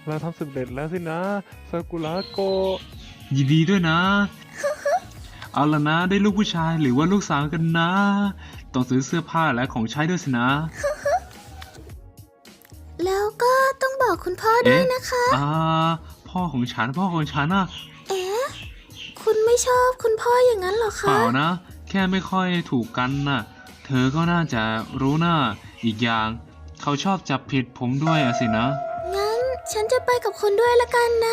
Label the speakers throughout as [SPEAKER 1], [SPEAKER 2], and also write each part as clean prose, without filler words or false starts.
[SPEAKER 1] เราทำสำเร็จแล้วสินะซากุระโกะ
[SPEAKER 2] ยินดีด้วยนะ เอาละนะได้ลูกผู้ชายหรือว่าลูกสาวกันนะ ต้องซื้อเสื้อผ้าและของใช้ด้วยสินะ
[SPEAKER 3] แล้วก็ต้องบอกคุณพ่อด้วยนะคะ
[SPEAKER 2] พ่อของฉันน่ะ
[SPEAKER 3] เอ๊ะ คุณไม่ชอบคุณพ่ออย่างนั้นเหรอ
[SPEAKER 2] เป
[SPEAKER 3] คะ
[SPEAKER 2] ล่านะ แค่ไม่ค่อยถูกกันน่ะ เธอก็น่าจะรู้นะอีกอย่าง เขาชอบจับผิดผมด้วยอะสินะ
[SPEAKER 3] งั้นฉันจะไปกับคุณด้วยละกันนะ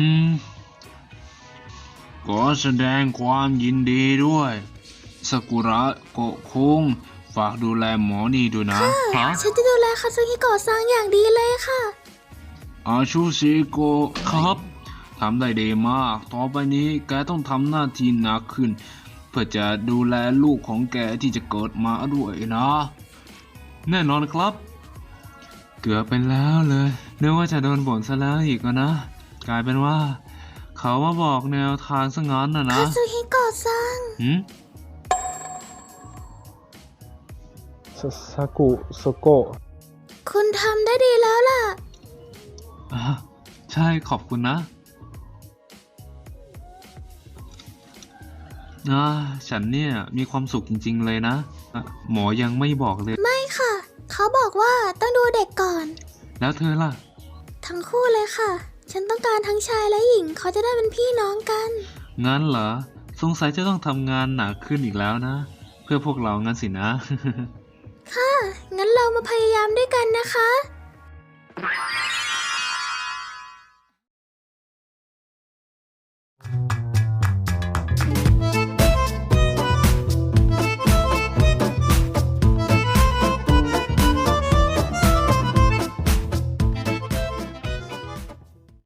[SPEAKER 2] ขอแสดงความยินดีด้วยซากุระโกะคุงฝากดูแลหมอนี่ด้วยนะฮะ
[SPEAKER 3] ฉันจะดูแลคาซึฮิโกะซังอย่างดีเลยค่ะ
[SPEAKER 2] อาชูซิโกะครับทำได้ดีมาก ต่อไปนี้แกต้องทำหน้าที่หนักขึ้น เพื่อจะดูแลลูกของแกที่จะเกิดมาด้วยนะ แน่นอนครับ เกือบเป็นแล้วเลยนึกว่าจะโดนบ่นซะแล้วอีกนะ กลายเป็นว่า เขามาบอกแนวทางซะงั้นนะ
[SPEAKER 3] คาซึฮิโกะซัง
[SPEAKER 1] ซากุโซโกะ
[SPEAKER 3] คุณทำได้ดีแล้วล่ะ
[SPEAKER 2] ใช่ขอบคุณนะฉันเนี่ยมีความสุขจริงๆเลยนะหมอยังไม่บอกเลย
[SPEAKER 3] ไม่ค่ะ เขาบอกว่าต้องดูเด็กก่อน
[SPEAKER 2] แล้วเธอล่ะ
[SPEAKER 3] ทั้งคู่เลยค่ะ ฉันต้องการทั้งชายและหญิง เขาจะได้เป็นพี่น้องกัน
[SPEAKER 2] งั้นเหรอสงสัยจะต้องทำงานหนักขึ้นอีกแล้วนะ เพื่อพวกเรางั้นสินะ
[SPEAKER 3] ค่ะ งั้นเรามาพยายามด้วยกันนะคะ